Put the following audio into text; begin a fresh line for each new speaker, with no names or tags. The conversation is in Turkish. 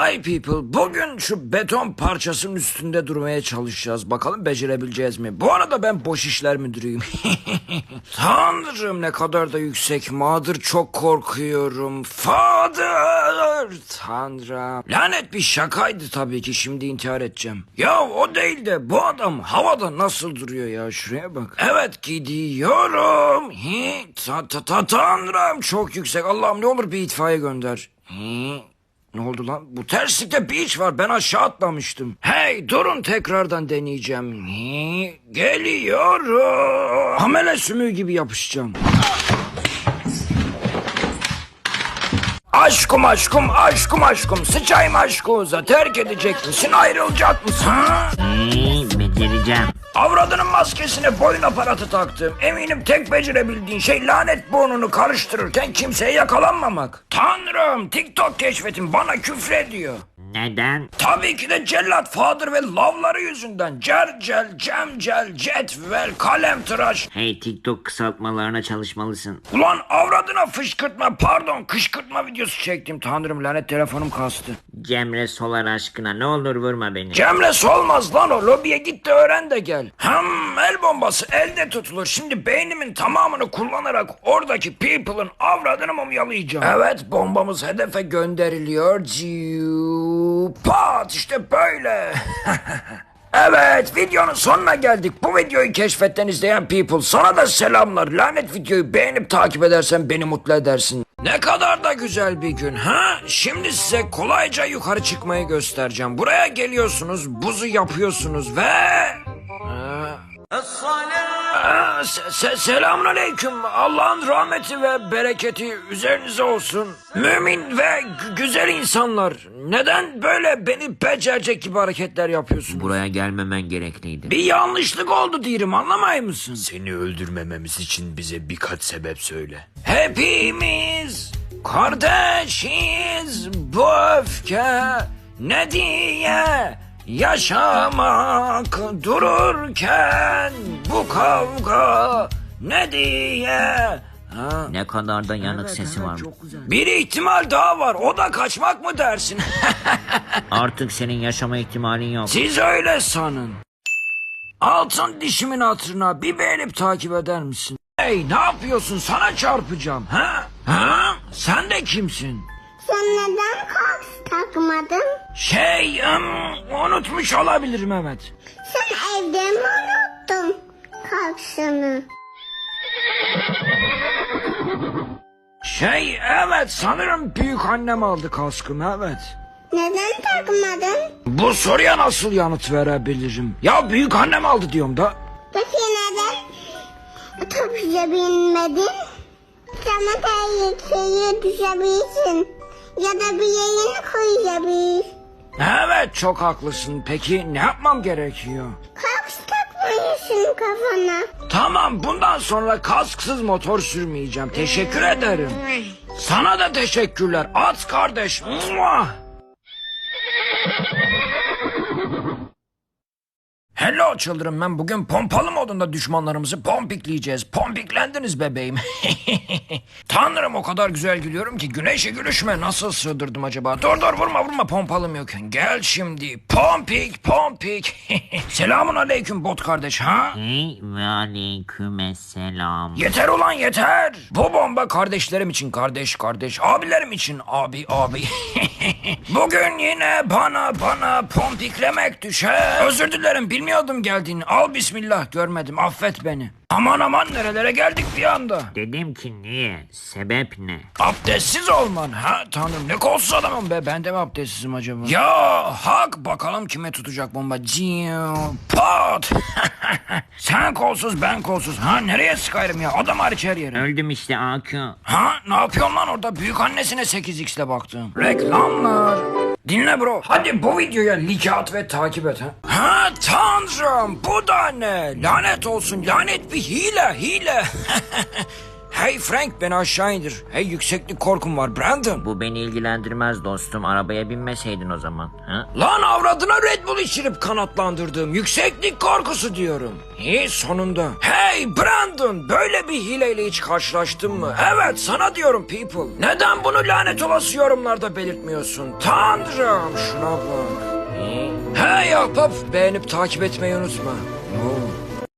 Hi people, bugün şu beton parçasının üstünde durmaya çalışacağız. Bakalım becerebileceğiz mi? Bu arada ben boş işler müdürüyüm. Tanrım ne kadar da yüksek. Mother çok korkuyorum. Father, Tanrım. Lanet bir şakaydı tabii ki, şimdi intihar edeceğim. Ya o değil de bu adam havada nasıl duruyor ya, şuraya bak. Evet gidiyorum. Tanrım çok yüksek. Allah'ım ne olur bir itfaiye gönder. Ne oldu lan? Bu terslikte bir iş var. Ben aşağı atlamıştım. Hey durun, tekrardan deneyeceğim. Geliyorum. Amele sümüğü gibi yapışacağım. Aşkım aşkım aşkım aşkım, sıçayım aşkımıza, terk edecek misin, ayrılacak mısın?
Becereceğim.
Avradının maskesine boyun aparatı taktım. Eminim tek becerebildiğin şey lanet burnunu karıştırırken kimseye yakalanmamak. Tanrım, TikTok keşfetim bana küfrediyor.
Neden?
Tabii ki de cellat Father ve lavları yüzünden. Cercel, cemcel, cetvel, kalem tıraş.
Hey, TikTok kısaltmalarına çalışmalısın.
Ulan avradına fışkırtma, pardon kışkırtma videosu çektim. Tanrım, lanet telefonum kastı.
Cemre Solar aşkına ne olur vurma beni.
Cemre solmaz lan o. Lobiye git de öğren de gel. El bombası elde tutulur. Şimdi beynimin tamamını kullanarak oradaki people'ın avradını mumyalayacağım. Evet, bombamız hedefe gönderiliyor. Pat, işte böyle. Evet, videonun sonuna geldik. Bu videoyu keşfetten izleyen people, sana da selamlar. Lanet videoyu beğenip takip edersen beni mutlu edersin. Ne kadar da güzel bir gün ha? Şimdi size kolayca yukarı çıkmayı göstereceğim. Buraya geliyorsunuz, buzu yapıyorsunuz ve... Selamünaleyküm. Allah'ın rahmeti ve bereketi üzerinize olsun. Mümin ve güzel insanlar. Neden böyle beni becerecek gibi hareketler yapıyorsunuz?
Buraya gelmemen gerekliydi.
Bir yanlışlık oldu diyelim, anlamay mısın?
Seni öldürmememiz için bize birkaç sebep söyle.
Hepimiz kardeşiz, bu öfke ne diye yaşamak dururken, bu kavga ne diye...
Ne kadar da yanık sesi var.
Bir ihtimal daha var, o da kaçmak mı dersin?
Artık senin yaşama ihtimalin yok.
Siz öyle sanın. Altın dişimin hatırına bir beğenip takip eder misin? Hey, ne yapıyorsun, sana çarpacağım ha? Sen de kimsin?
Sen neden kaks takmadın?
Unutmuş olabilirim, evet.
Sen evde mi unuttun kaksını?
Evet, sanırım büyük annem aldı kaskımı, evet.
Neden takmadın?
Bu soruya nasıl yanıt verebilirim? Ya büyük annem aldı diyorum da.
Peki neden otobüse binmedin? Sana tehlikeye düşebilirsin. Ya da bir yerini koyabilir.
Evet, çok haklısın. Peki ne yapmam gerekiyor?
Kaks takmalısın kafana.
Tamam, bundan sonra kasksız motor sürmeyeceğim. Teşekkür ederim. Sana da teşekkürler. At kardeş. Mua! Hello children, ben bugün pompalı modunda düşmanlarımızı pompikleyeceğiz. Pompiklendiniz bebeğim. Tanrım, o kadar güzel gülüyorum ki güneşe gülüşme nasıl sığdırdım acaba? Dur vurma, pompalım yok. Gel şimdi, pompik. Selamun aleyküm bot kardeş ha?
Hey ve aleykümselam.
Yeter ulan yeter. Bu bomba kardeşlerim için kardeş, abilerim için abi. Bugün yine bana pompiklemek düşer. Özür dilerim, bilmiyordum geldiğini. Al bismillah, görmedim, affet beni. Aman nerelere geldik bir anda.
Dedim ki niye? Sebep ne?
Abdestsiz olman ha? Tanrım, ne kolsuz adamım be, ben de mi abdestsizim acaba? Ya hak, bakalım kime tutacak bomba. Pat. Sen kolsuz, ben kolsuz. Nereye sıkayım ya, adam hariç her yere.
Öldüm işte AQ.
Ne yapıyorsun lan orada? Büyük annesine 8x'le baktım. Reklamlar. Dinle bro. Hadi bu videoya like at ve takip et ha. Tanrım, bu da ne? Lanet olsun, lanet bir hile. Hey Frank, beni aşağı indir. Hey, yükseklik korkum var Brandon.
Bu beni ilgilendirmez dostum. Arabaya binmeseydin o zaman. Ha?
Lan avradına Red Bull içirip kanatlandırdığım yükseklik korkusu diyorum. İyi, sonunda. Hey Brandon, böyle bir hileyle hiç karşılaştın mı? Evet, sana diyorum people. Neden bunu lanet olası yorumlarda belirtmiyorsun? Tanrım, şuna bak.
İyi.
Hey ahbap, beğenip takip etmeyi unutma. Oo.